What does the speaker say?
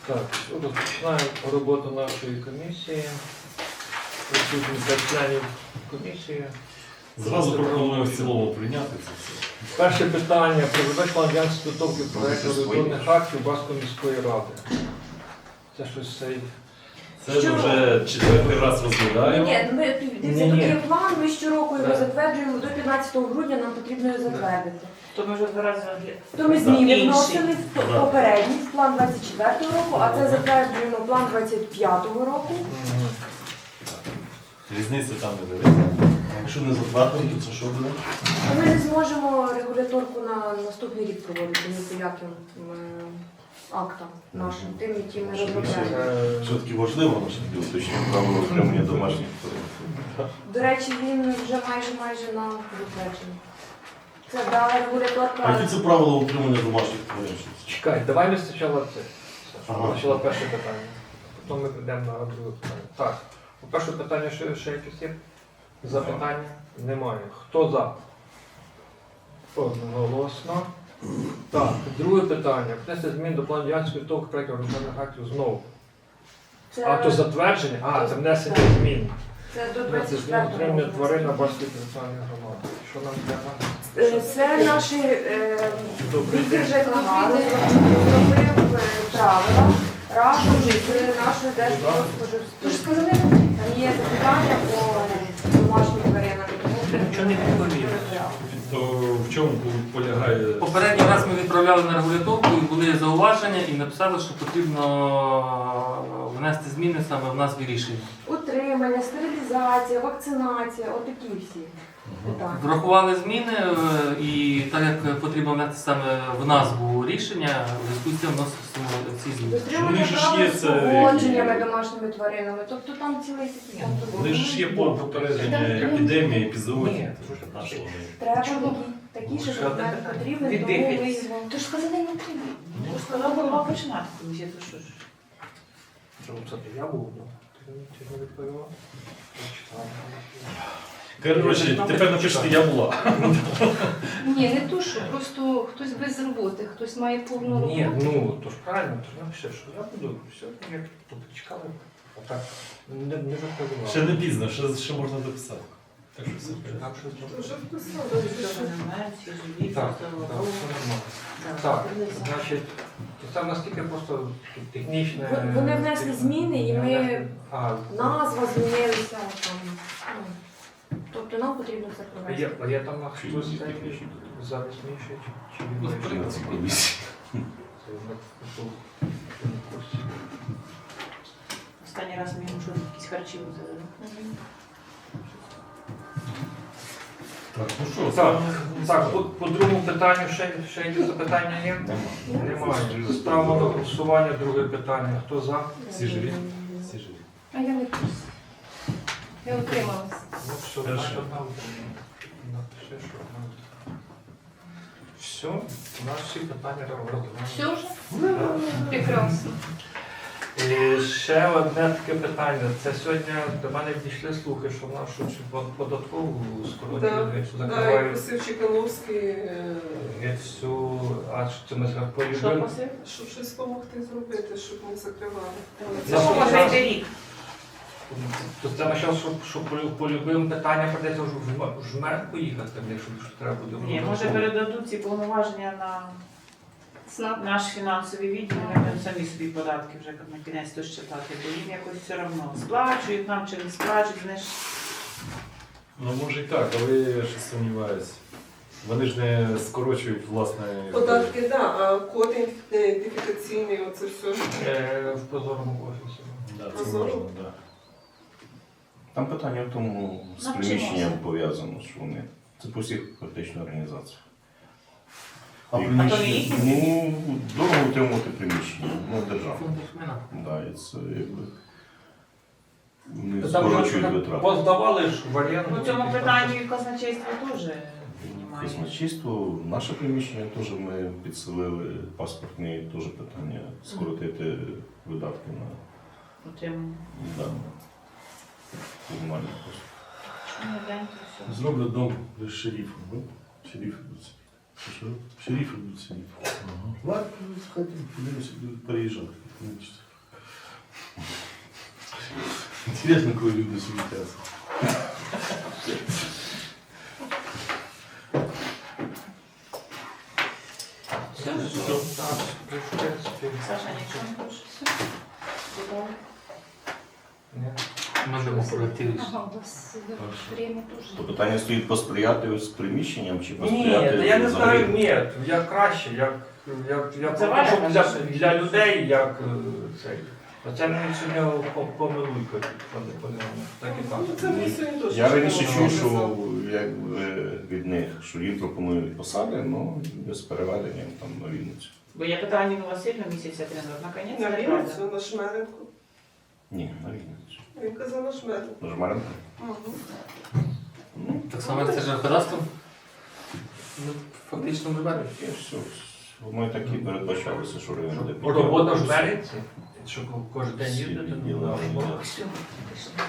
Так, розпочинаємо роботу нашої комісії. Присутні 5 членів комісії. Зразу пропоную в цілому прийняти це все. Перше питання про забезпечення радянської підготовки проєкту регуляторних актів Баскої міської ради. Це щось цей. Це ж вже четвертий раз розглядаємо. Ні, ми дивіться, тут є план, ми щороку його затверджуємо, до 15 грудня нам потрібно його затвердити. То ми вже 2 рази розглядаємо. То ми зміни Інший. вносили в попередній, в план 24-го року, а це затверджуємо план 25-го року. Різниця там не дивиться. Якщо не затвердимо, то це що буде? Ми не зможемо регуляторку на наступний рік проводити ні по яким актам нашим, тим, які ми розробляємо. Все-таки важливо наше уточнення правила отримання домашніх тварин. До речі, він вже майже на затвердженні. Це дала регуляторка. А які це правила утримання домашніх тварин? Чекай, давай ми спочатку це. Ага. Спочатку перше питання. Потім ми прийдемо на друге питання. Так, по перше питання ще якісь є? Запитання? Немає. Хто за? Одноголосно. Так, друге питання. Внести змін до плану діяльності підготовки проєктів регуляторних актів знову. Це, А то затвердження? А, це внесення змін. це до Внесення змін 24-го отримання року. тварин на Баскої територіальної громади. Що нам треба? Це наші Добрий відділ день. ЖКГ зробив правила разом з нашою Держпродспоживслужбою. Там є запитання по домашнім тваринам. Нічого не відповів. То в чому полягає? Попередній раз ми відправляли на регуляторку і були зауваження і написали, що потрібно внести зміни саме в назві рішення. Утримання, стерилізація, вакцинація, отакі всі питання. Врахували зміни і так як потрібно внести саме в назву рішення, у зв'язку з цим вносимо ці зміни. Дотримання Вони ж права є це поводженнями домашніми тваринами. Тобто там цілий такий контур. Вони ж є попередження епідемії, епізоотії. Ні. Треба такі, що документ потрібен, тому ми його... То ж сказали, не треба. То ж сказали, голова починати комісія, то що ж. Це я був, ти не відповіла? Коротше, тепер напишіть, я була. Ні, не то, що просто хтось без роботи, хтось має повну роботу. Ні, ну, то ж правильно, то ж напиши, що я буду, все, як тут чекали, а так, не відповіла. Ще не пізно, ще можна дописати. Так що все. Так, що зробити? Вже вписали. Що не знаю, всі живі, Так, все так, все нормально. Так, значить, це наскільки просто технічне... Вони внесли зміни і ми... А, Назва змінилася. Там, ну, тобто нам потрібно це провести. а є там хтось зараз мішить, чи він вийшов? На цій комісії. Це на курсі. Останній раз ми йому щось якісь харчі взяли. Так, ну що, Так, по другому питанню ще є запитання є? Немає. Ставимо на голосування друге питання. Хто за? всі живі? Всі живі. А я не курс. Я утрималась. Ну все, Хорошо. значить, одна напиши, що одна. Все, у нас всі питання розглянули. Все вже? Прекрасно. І ще одне таке питання. Це сьогодні до мене дійшли слухи, що в нашу податкову скоротили, що Да, і закривають просив Чекановський, цю, а що це ми Що полюбили. просив? щоб щось допомогти зробити, щоб не закривали. Це що може йти рік? То це ми зараз, що по любим питанням придеться вже в жмер поїхати, якщо треба буде. Ні, може передадуть ці повноваження на СНАП. наш фінансовий відділ, ми будемо самі собі податки вже на кінець то щитати, бо їм якось все одно сплачують нам чи не сплачують, вони ж Ну може і так, але я ще сумніваюся. Вони ж не скорочують власне. Податки, так, да, а код ідентифікаційний, оце все. В позорному офісі. Да, це можна, да. Там питання в тому, з Навчимося. приміщенням пов'язано, що вони. Це по всіх практично організаціях. А то не їхні? Ну, дорого утримувати приміщення, ну, держава. Фундамент. Да, і це якби. Вони Там скорочують вже витрати. поздавали ж в оренду. у цьому питанні і казначейство теж піднімає. Казначейство, наше приміщення теж ми підселили, паспортні теж питання, скоротити видатки на Утримання. да, комунальні послуги. Що не день, то все. Зроблю дом з шерифом, ну? Шериф. Що? Шерифи будуть сидіти. Ладно, сходимо, подивимося, будуть переїжджати. Інтересно, коли люди суетяться. Все, Так, в принципі, Саша, нічого не хоче. ні. Ми будемо колективі. Ага, у вас время теж. То питання стоїть посприяти з приміщенням чи Ні, посприяти та я не знаю, взагалі? ні, як краще, як Це ваше для, бажання. для людей, як цей. Оце мені сьогодні помилуйка, так і так. Ну, це ми сьогодні теж. Я раніше чув, що казали. якби від них, що їм пропонують посади, ну без переведення там на Вінницю. Бо я питала Ніну Васильівну місяця тренер, наконець, На неправда. Вінницю, на Шмеренку. Ні, на Вінницю. Він казав на Шмеренку. На Жмаренко? Угу. Так само як це жеркодавством? Ну, фактично вже беруть. І все. Ми так і передбачалися, що район буде Робота в Береці, щоб кожен день Всі їздити, відділення, ну, да. робота. Все, пішли.